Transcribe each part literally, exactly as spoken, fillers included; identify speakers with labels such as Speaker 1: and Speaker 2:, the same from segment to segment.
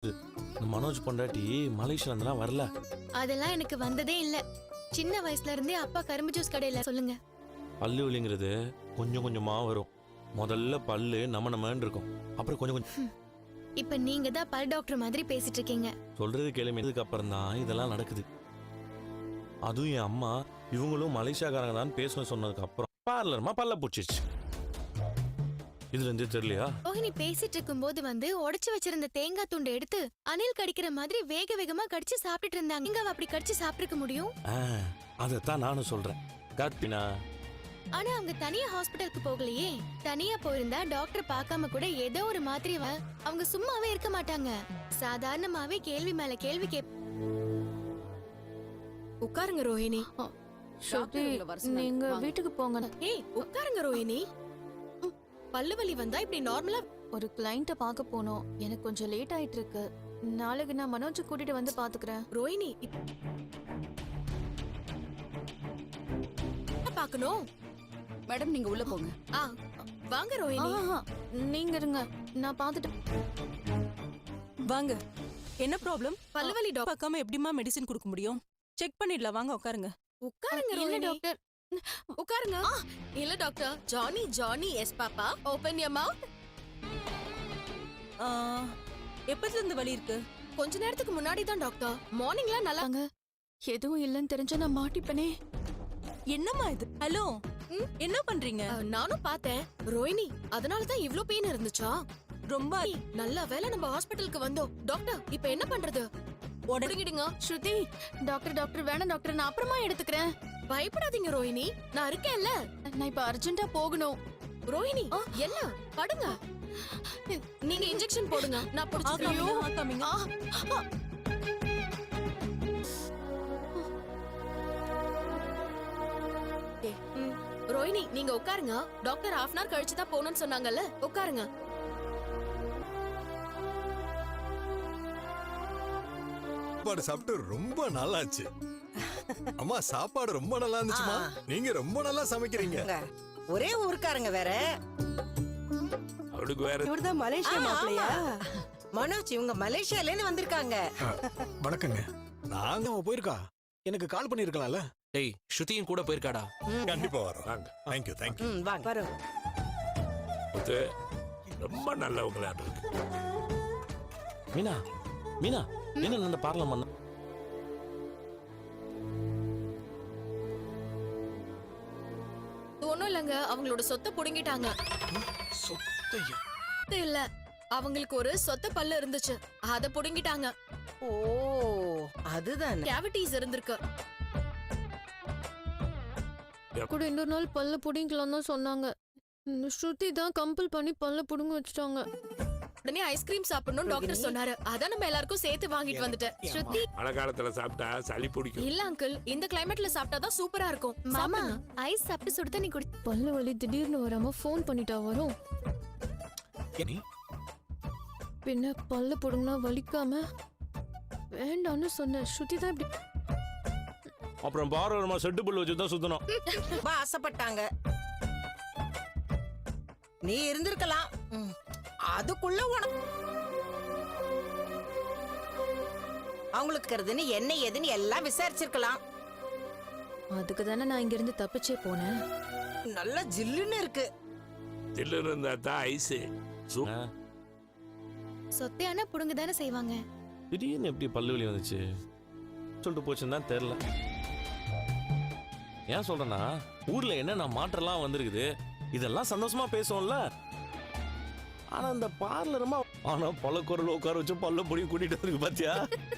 Speaker 1: மனோஜ் பொண்டாட்டி மலேசியால இருந்தெல்லாம் வரல.
Speaker 2: அதெல்லாம் எனக்கு வந்ததே இல்ல. சின்ன வயசுல இருந்தே அப்பா கரும்பு ஜூஸ் கடையில. சொல்லுங்க.
Speaker 1: பல்லு வலிங்கிறது கொஞ்சம் கொஞ்சமா வரும். முதல்ல பல்லு நம்ம நம்மன்னு இருக்கும், அப்புறம் கொஞ்சம் கொஞ்சம்.
Speaker 2: இப்ப நீங்க தான் பல் டாக்டர் மாதிரி பேசிட்டு இருக்கீங்க.
Speaker 1: சொல்றது கேளுமைக்கு அப்புறம் தான் இதெல்லாம் நடக்குது. அதுவும் என் அம்மா இவங்களும் மலேசியாக்காரங்க தான் பேசணும் சொன்னதுக்கு அப்புறம் பார்லர்மா பல்ல பூச்சிச்சு. இதுல இருந்து தெரியலையா?
Speaker 2: ரோஹிணி பேசிட்டு இருக்கும் போது வந்து உடைச்சு வச்சிருந்த தேங்காய் துண்டை எடுத்து அணில் கடிக்கிற மாதிரி வேக வேகமா கடிச்சு சாப்பிட்டுட்டு இருந்தாங்க. நீங்க அப்படி கடிச்சு சாப்பிட்டுக்க முடியும்?
Speaker 1: அதத்தான் நானும் சொல்றேன். கார்த்தினா
Speaker 2: ஆனா அவங்க தனியா ஹாஸ்பிடலுக்கு போகலையே. தனியா போயிருந்தா டாக்டர் பார்க்காம கூட ஏதோ ஒரு மாத்திரை அவங்க சும்மாவே இருக்க மாட்டாங்க. சாதாரணமாவே கேள்வி மேல கேள்வி கேப்.
Speaker 3: உட்காருங்க ரோஹிணி.
Speaker 2: நீங்க வீட்டுக்கு போங்க.
Speaker 3: ஏய் உட்காருங்க ரோஹிணி. பல்லு வலி வந்தா இப்படி நார்மலா
Speaker 2: ஒரு கிளைண்ட்ட பார்க்க போனோம். எனக்கு கொஞ்சம் லேட் ஆயிட்டு இருக்கு. நாளைக்கு நான் மனோஜ் கூட்டிட்டு வந்து பாத்துக்கிறேன்.
Speaker 3: ரோஹிணி பாக்கணும்.
Speaker 4: மேடம் நீங்க உள்ள போங்க.
Speaker 3: ஆ வாங்க ரோஹிணி.
Speaker 2: நீங்க இருங்க, நான் பாத்துட்டு.
Speaker 5: வாங்க. என்ன ப்ராப்ளம்?
Speaker 3: பல்லு வலி டாக்டர்
Speaker 5: பார்க்காம எப்படிமா மெடிசின் கொடுக்க முடியும்? செக் பண்ணிடலாம், வாங்க உட்காருங்க.
Speaker 3: உட்காருங்க
Speaker 2: இல்ல
Speaker 3: ரோஹிணி.
Speaker 2: டாக்டர்,
Speaker 3: உட்காருங்க. இல்ல doctor. Johnny Johnny yes papa open your mouth.
Speaker 5: எப்பத்துல இருந்து வலி இருக்கு?
Speaker 3: கொஞ்ச நேரத்துக்கு முன்னாடி தான் டாக்டர். மார்னிங்ல நல்லா
Speaker 2: எதுவும் இல்லைன்னு தெரிஞ்சா நான் மாட்டிப்பனே.
Speaker 5: என்னம்மா இது? ஹலோ, என்ன பண்றீங்க?
Speaker 3: அஹ், நானும் பார்த்தேன் ரோஹிணி. அதனால தான் இவ்ளோ பெயின் இருந்துச்சா?
Speaker 5: ரொம்ப
Speaker 3: நல்ல வேளை நம்ம ஹாஸ்பிடலுக்கு வந்தோம். டாக்டர் இப்போ என்ன பண்றது? உடனடிங்க.
Speaker 2: ஸ்ருதி, டாக்டர் டாக்டர் வேணாம் டாக்டர், நான் அப்புறமா எடுத்துக்கிறேன்.
Speaker 3: பயப்படாதீங்க ரோஹிணி, நான் இருக்கேன்ல.
Speaker 2: நான் இப்ப அர்ஜென்ட்டா போகணும்.
Speaker 3: ரோஹிணி என்ன படுங்க. நீங்க இன்ஜெக்ஷன் போடுங்க, நான் புடிச்சுக்கிறேன்.
Speaker 5: ஆகாமீங்க.
Speaker 3: ரோஹிணி நீங்க உட்காருங்க. டாக்டர் ஹாஃப் அன் ஹவர் கழிச்சு தான் போகணும்னு சொன்னாங்கல்ல, உட்காருங்க.
Speaker 6: சாப்பாடு சாப்பிட்டு ரொம்ப நாளாச்சு. அம்மா சாப்பாடு ரொம்ப நல்லா இருந்துச்சுமா. நீங்க ரொம்ப நல்லா சமைக்கிறீங்க.
Speaker 7: ஒரே ஊருக்காரங்க வேற.
Speaker 6: அவளுக்கு வேற.
Speaker 4: இவர்தான் மலேசியா மாப்பிளையா?
Speaker 7: மனோஜ் இவங்க மலேசியால இருந்து வந்திருக்காங்க.
Speaker 8: வணக்கங்க. நாங்க அவ போயிருக்கா, எனக்கு கால் பண்ணிருக்கலாம்ல.
Speaker 9: டேய், ஸ்ருதியும் கூட போயிருக்காடா.
Speaker 6: கண்டிப்பா வரோம். Thank you thank you.
Speaker 7: ம் வாங்க வரோம்.
Speaker 6: ரொம்ப நல்லவங்களா இருக்கு.
Speaker 1: மீனா மீனா என்ன அந்த பார்லர் பண்ண?
Speaker 3: ஒண்ணும் இல்லங்க, அவங்களோட சொத்தை புடுங்கிட்டாங்க.
Speaker 8: சொத்தையா?
Speaker 3: சொத்து இல்ல, அவங்களுக்கு ஒரு சொத்த பல்லு இருந்துச்சு, அத புடுங்கிட்டாங்க.
Speaker 7: ஓ அதுதான்.
Speaker 3: கேவிட்டிஸ் இருந்திருக்கு.
Speaker 2: கூட இன்னொரு நாள் பல்ல புடிங்கலாம் தான் சொன்னாங்க. ஸ்ருதி தான் கம்பல் பண்ணி பல்ல புடுங்க வச்சுட்டாங்க.
Speaker 3: உடனே ஐஸ்கிரீம் சாப்பிடணும் டாக்டர் சொன்னாரு. அதான் நம்ம எல்லாருக்கும் சேர்த்து வாங்கிட்டு வந்துட்டேன். ஸ்ருதி
Speaker 6: மழை காலத்துல சாப்பிட்டா சளி பிடிக்கும்.
Speaker 3: இல்ல அங்கிள், இந்த கிளைமேட்ல சாப்பிட்டா தான் சூப்பரா இருக்கும்.
Speaker 2: மாமா, ஐஸ் சாப்பிட்டு சுடு தண்ணி குடி. பல்ல வலி திடீர்னு வராம ஃபோன் பண்ணிட்டா வரும்.
Speaker 8: நீ
Speaker 2: பின்ன பல்ல புடுங்கினா வலிக்காம வேண்டான்னு சொன்ன. ஸ்ருதி தான் இப்படி.
Speaker 1: அப்புறம் பார்லர்மா செட்டு புல் வச்சு தான் சுத்தணும்.
Speaker 7: ரொம்ப ஆசைப்பட்டாங்க. நீ இருந்திருக்கலாம். ம், அதுக்குள்ள உனக்கு அவங்களுக்கு இருக்கிறதுன்னு என்ன ஏதுன்னு எல்லாம் விசாரிச்சிருக்கலாம்.
Speaker 2: அதுக்கு தானே நான் இங்க இருந்து தப்பிச்சே போனேன்.
Speaker 7: நல்லா ஜில்லுன்னு இருக்கு.
Speaker 6: தில்லுன்னு இருந்தா தான் ஐஸ்.
Speaker 2: சொத்தையான புடுங்க தானே செய்வாங்க.
Speaker 1: திடீர்னு எப்படி பல்லு வலி வந்துச்சு சொல்லிட்டு போச்சுன்னு தான் தெரியல. ஏன் சொல்றேன்னா, ஊர்ல என்னென்ன மாற்றம்லாம் வந்திருக்குது, இதெல்லாம் சந்தோஷமா பேசுவோம்ல. ஆனா இந்த பார்லருமா ஆனா பல குரல் உட்கார வச்சு பல்ல புடி கூட்டிட்டு இருக்கு பாத்தியா.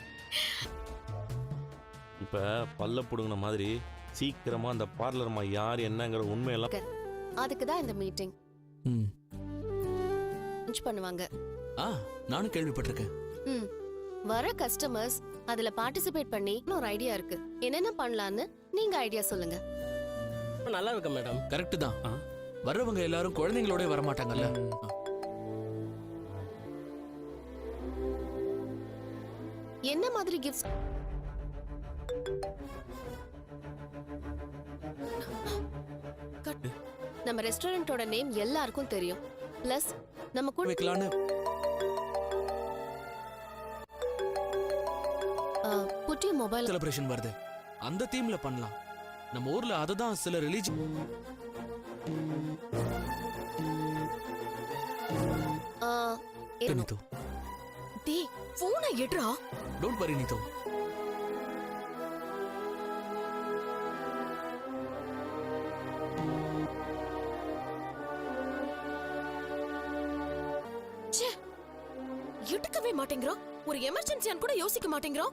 Speaker 1: இப்ப பல்ல புடுங்கின மாதிரி சீக்கிரமா அந்த பார்லர்மா யார் என்னங்கிற உண்மையெல்லாம்.
Speaker 4: அதுக்கு தான் இந்த மீட்டிங்
Speaker 9: ம்.
Speaker 4: பண்ணுவாங்க.
Speaker 9: ஆ, நானும் கேள்விப்பட்டிருக்கேன்.
Speaker 4: ம். வர கஸ்டமர்ஸ் அதுல பார்ட்டிசிபேட் பண்ணி ஒரு ஐடியா இருக்கு. என்னென்ன பண்ணலாம்னு நீங்க ஐடியா சொல்லுங்க.
Speaker 9: நல்லா இருக்கு மேடம். கரெக்ட் தான். வர்றவங்க எல்லாரும் குழந்தைங்களோட வர மாட்டாங்கல்ல.
Speaker 4: என்ன மாதிரி கிஃப்ட்ஸ்? நம்ம ரெஸ்டாரண்டோட நேம் எல்லாருக்கும் தெரியும். பிளஸ் நம்ம கூட
Speaker 9: வைக்கலான்னு
Speaker 4: புட்டி மொபைல்
Speaker 9: செலிப்ரேஷன் வருது அந்த தீம்ல பண்ணலாம். நம்ம ஊர்ல அதுதான் சில ரிலீஜன். நீதோ
Speaker 3: டேய் போனை எடுறா.
Speaker 9: Don't worry நீதோ.
Speaker 3: ச்சே எடுக்கவே மாட்டேங்கிறோம். ஒரு எமர்ஜென்சியான்னு கூட யோசிக்க மாட்டேங்கிறோம்.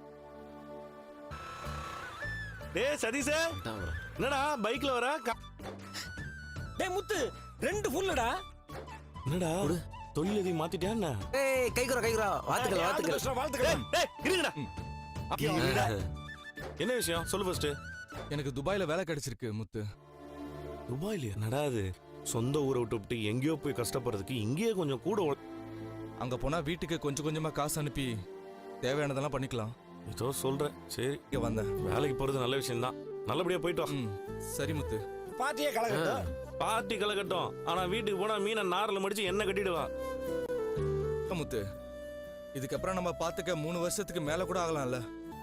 Speaker 1: டேய் சதீஷ, என்னடா பைக்ல வர? கா-
Speaker 8: டேய் முத்து ரெண்டு ஃபுல்லடா.
Speaker 1: என்னடா தொழில் எதையும் மாத்திட்டியா என்ன?
Speaker 10: ஏய் கைகுறா கைகுறா வாழ்த்துக்கள் வாழ்த்துக்கள்
Speaker 8: வாழ்த்துக்கள்.
Speaker 1: டேய் இருங்கடா. இருங்கடா. என்ன விஷயம் சொல்லு ஃபர்ஸ்ட்.
Speaker 11: எனக்கு துபாயில வேலை கிடைச்சிருக்கு முத்து.
Speaker 1: துபாயில என்னடா அது? சொந்த ஊரை விட்டு விட்டு எங்கேயோ போய் கஷ்டப்படுறதுக்கு இங்கேயே கொஞ்சம் கூட உழ-
Speaker 11: அங்க போனா வீட்டுக்கு கொஞ்சம் கொஞ்சமா காசு அனுப்பி தேவையானதெல்லாம் பண்ணிக்கலாம்.
Speaker 1: ஏதோ சொல்ற. சரி
Speaker 11: இங்க வந்தேன்.
Speaker 1: வேலைக்கு போறது நல்ல விஷயம் தான். நல்லபடியா போயிட்டு வா.
Speaker 11: ம் சரி முத்து.
Speaker 8: பாட்டியே கலகட்டும்.
Speaker 1: பார்ட்டி கலக்கட்டும். ஆனா வீட்டுக்கு போனா மீனை நாரில் மடிச்சு என்ன கட்டிடுவா.
Speaker 11: முத்து இதுக்கப்புறம் நம்ம பாத்துக்க மூணு வருஷத்துக்கு மேல கூட ஆகலாம்ல.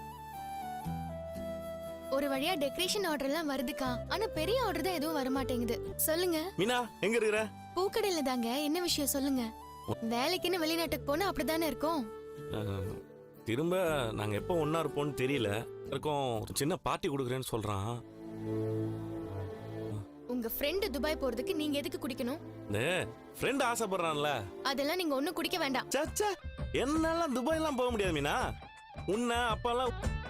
Speaker 2: ஒரு வழியா டெக்கரேஷன் ஆர்டர் எல்லாம் வருதுக்கா. ஆனா பெரிய ஆர்டர் தான் எதுவும் வர மாட்டேங்குது. சொல்லுங்க.
Speaker 1: மீனா எங்க இருக்கிற?
Speaker 2: பூக்கடையில தாங்க. என்ன விஷயம் சொல்லுங்க. வேலைக்குன்னு வெளிநாட்டுக்கு போனா அப்படிதானே இருக்கும்.
Speaker 1: அஹ், திரும்ப நாங்க எப்போ ஒன்னா இருப்போம்னு தெரியல. இருக்கோம் ஒரு சின்ன பார்ட்டி கொடுக்குறேன்னு சொல்றான்.
Speaker 2: உங்க ஃப்ரெண்ட் துபாய் போறதுக்கு நீங்க எதுக்கு குடிக்கணும்?
Speaker 1: இந்த ஃப்ரெண்ட் ஆசைப்படுறான்ல.
Speaker 2: அதெல்லாம் நீங்க ஒண்ணும் குடிக்க வேண்டாம்.
Speaker 1: சச்சா என்னால துபாய்லாம் போக முடியாது மீனா. உன்னை அப்பெல்லாம்